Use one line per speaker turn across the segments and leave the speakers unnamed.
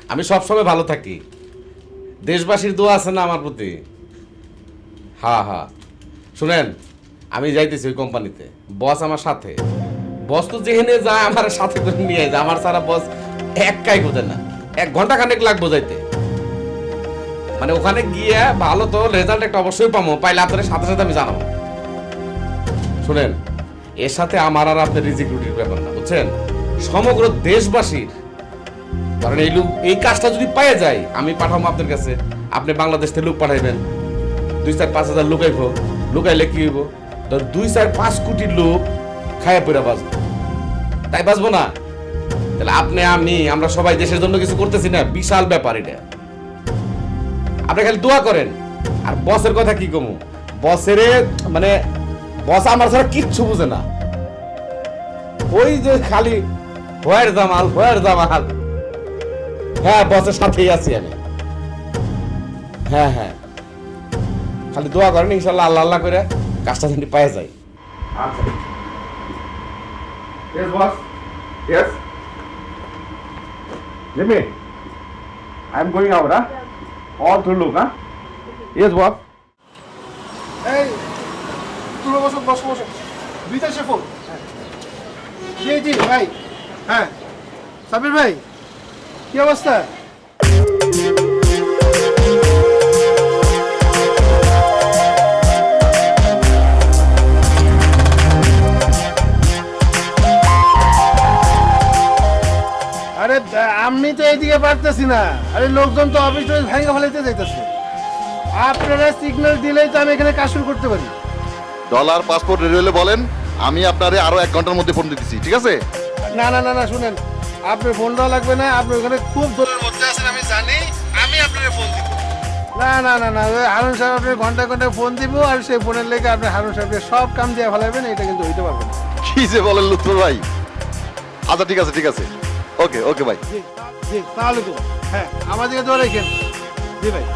আমি সবসময় ভালো থাকি। দেশবাসীর দোয়া আছে না আমার প্রতি? হ্যাঁ হ্যাঁ, শুনেন, আমি যাইতেছি ওই কোম্পানিতে, বস আমার সাথে। বস তো যেখানে যায় আমার সাথে করে নিয়ে যায়, আমার সারা বস একাই বোঝে না, 1 ঘন্টা খানেক লাগবো যাইতে। মানে ওখানে গিয়ে ভালো তো রেজাল্ট একটা অবশ্যই পাবো, পাইলে আপনার সাথে সাথে আমি জানাবো। শুনেন, এর সাথে আমার আর আপনার রিজিক রুটির ব্যাপার না, বুঝছেন? সমগ্র দেশবাসীর, কারণ এই কাজটা যদি পাওয়া যায়, আমি পাঠাবো আপনার কাছে, আপনি বাংলাদেশ থেকে লোক পাঠাইবেন, 2-4-5 হাজার লুকাইব, লুকাইলে কি হইব? ধর 2-4-5 কোটি লোক খায়া পড়া বাঁচবো, তাই বাঁচবো না? তাহলে আপনি আমরা সবাই দেশের জন্য কিছু করতেছি না, বিশাল ব্যাপার এটা। আপনি খালি দোয়া করেন। আর বসের কথা কি কমু, বসের মানে বস আমার ছাড়া কিচ্ছু বুঝে না, ওই যে খালি হোয়ার জামাল হোয়ার জামাল। হ্যাঁ, বসের সাথেই আছি আমি। হ্যাঁ হ্যাঁ, খালি দোয়া করেন, ইনশাল্লাহ আল্লাহ আল্লাহ করে কাজটা যদি পাওয়া যায়। আচ্ছা, yes boss, yes, Jimmy, I'm going out, all through look, yes boss.
এই তুমি বসো বসো বসো, বিদেশে ফোন। জি জি ভাই, হ্যাঁ সাবির ভাই, কি অবস্থা? আরে আমি তো এইদিকে পারতেছি না, আরে লোকজন তো অফিস ভেঙে ফেলাইতে যাইতেছে। আপনারা সিগন্যাল দিলেই তো আমি এখানে কাজ শুরু করতে পারি।
ডলার পাসপোর্ট রেডি হলে বলেন, আমি আপনারে আরো 1 ঘন্টার মধ্যে ফোন দিতেছি, ঠিক আছে?
না না না না, শুনেন, আপনার ফোন দেওয়া লাগবে না, আপনি ওখানে খুব দূরের মধ্যে আছেন আমি জানি, আমি আপনার ফোন দিব। না না না না, ওই হারুন সাহেব আপনার ঘন্টায় ঘন্টায় ফোন দিব, আর সেই ফোনের লেগে আপনি হারুন সাহেবকে সব কাম দিয়ে ফেলাবেন, এটা কিন্তু হইতে পারবে না।
কি যে বলেন লুৎফর ভাই। আচ্ছা ঠিক আছে ঠিক আছে, ওকে ওকে ভাই।
জি জি, তাহলে তো হ্যাঁ, আমার দিকে দোয়া রেখেন। জি ভাই।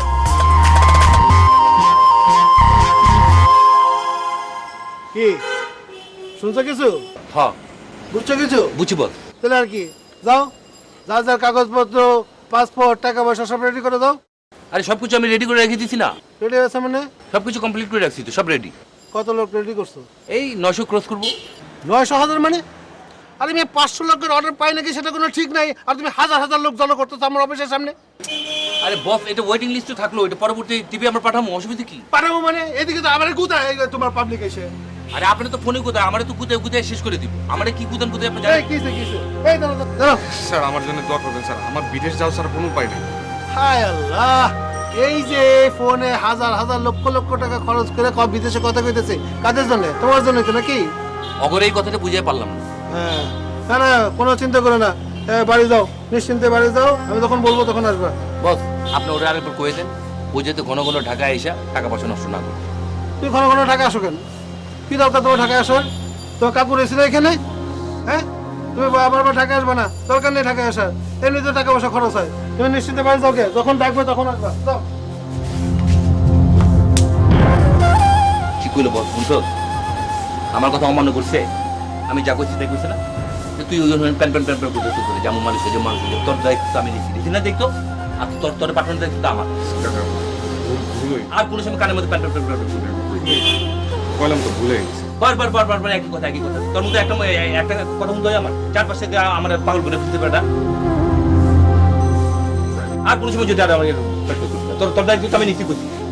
কি শুনছো কিছু?
হ্যাঁ
বুঝছো কিছু?
বুঝি বল।
তাহলে আর কি, যাও, যা যা কাগজপত্র, পাসপোর্ট, টাকা পয়সা সব রেডি করে দাও।
আরে সবকিছু আমি রেডি করে রেখে দিছি না,
রেডি আছে মানে?
সবকিছু কমপ্লিট করে রাখছি তো, সব রেডি।
কত লোক রেডি করছো?
এই 900 ক্রস করবো।
900,000 মানে? আরে আমি 500 লোকের অর্ডার পাই নাকি সেটা কোনো ঠিক নাই, আর তুমি হাজার হাজার লোক জড়ো করতেছো আমার অফিসের সামনে।
আরে বস, এটা ওয়েটিং লিস্টে থাকলো, এটা পরবর্তী টিভি আমরা পাঠাবো, অসুবিধা কি?
পারবো মানে? এদিকে তো আমার কোথায় তোমার পাবলিক এসে।
আরে আপনি তো ফোনে কোথায়, আমারে তো কোথায় কোথায় শেষ করে দিব, আমারে কি কোথায় কোথায় আপনি
এই
জানেন?
কিসে কিসে, এই দাঁড়াও দাঁড়াও।
স্যার আমার জন্য দোয়া করবেন স্যার, আমার বিদেশ যাওয়া ছাড়া কোনো উপায় নেই।
হায় আল্লাহ, এই যে ফোনে হাজার হাজার লক্ষ লক্ষ টাকা খরচ করে বিদেশে কথা কইতেছে, কাদের জন্য? তোমার জন্য তো নাকি?
অগরে এই কথাটা বুঝিয়ে পারলাম না।
হ্যাঁ, না না, কোনো চিন্তা করো না, বাড়ি যাও, নিশ্চিন্তে বাড়ি যাও, আমি যখন বলবো তখন আসবা।
বস, আপনি ওরা আরেকবার কয়ে দেন, ও যাতে ঘন ঘন ঢাকায় এসে টাকা পয়সা নষ্ট না করে।
তুমি ঘন ঘন ঢাকা আসো কেন? কি দরকার তোমার ঢাকায় আসার? তোমার কাপড় এসেছিল এখানে? হ্যাঁ, তুমি আবার ঢাকা আসবে না, দরকার নেই ঢাকায় আসার, এমনিতে টাকা পয়সা খরচ হয়। তুমি নিশ্চিন্তে বাড়ি যাও, কে যখন ডাকবে তখন আসবা, যাও।
কি কইলো বস, শুনছো? আমার কথা অমান্য করছে, আমি যা করছি তাই করছে না? যে তুই ওই প্যান প্যান প্যান প্যান করতে করে যেমন মানুষ যে মানুষ, তোর দায়িত্ব আমি দিচ্ছি না, দেখতো? আর তোর তোর পাঠানোর দায়িত্ব আমার। আর কোনো সময় কানের মধ্যে প্যান প্যান প্যান প্যান
বললাম তো ভুলে গেছি।
বারবার বারবার বারবার একই কথা একই কথা। তোর মধ্যে একটা কথা মতো আমার চারপাশে আমার পাগল করে ফেলতে পারে না। আর কোনো সময় যদি আর আমাকে তোর তোর দায়িত্ব আমি নিচ্ছি করছি।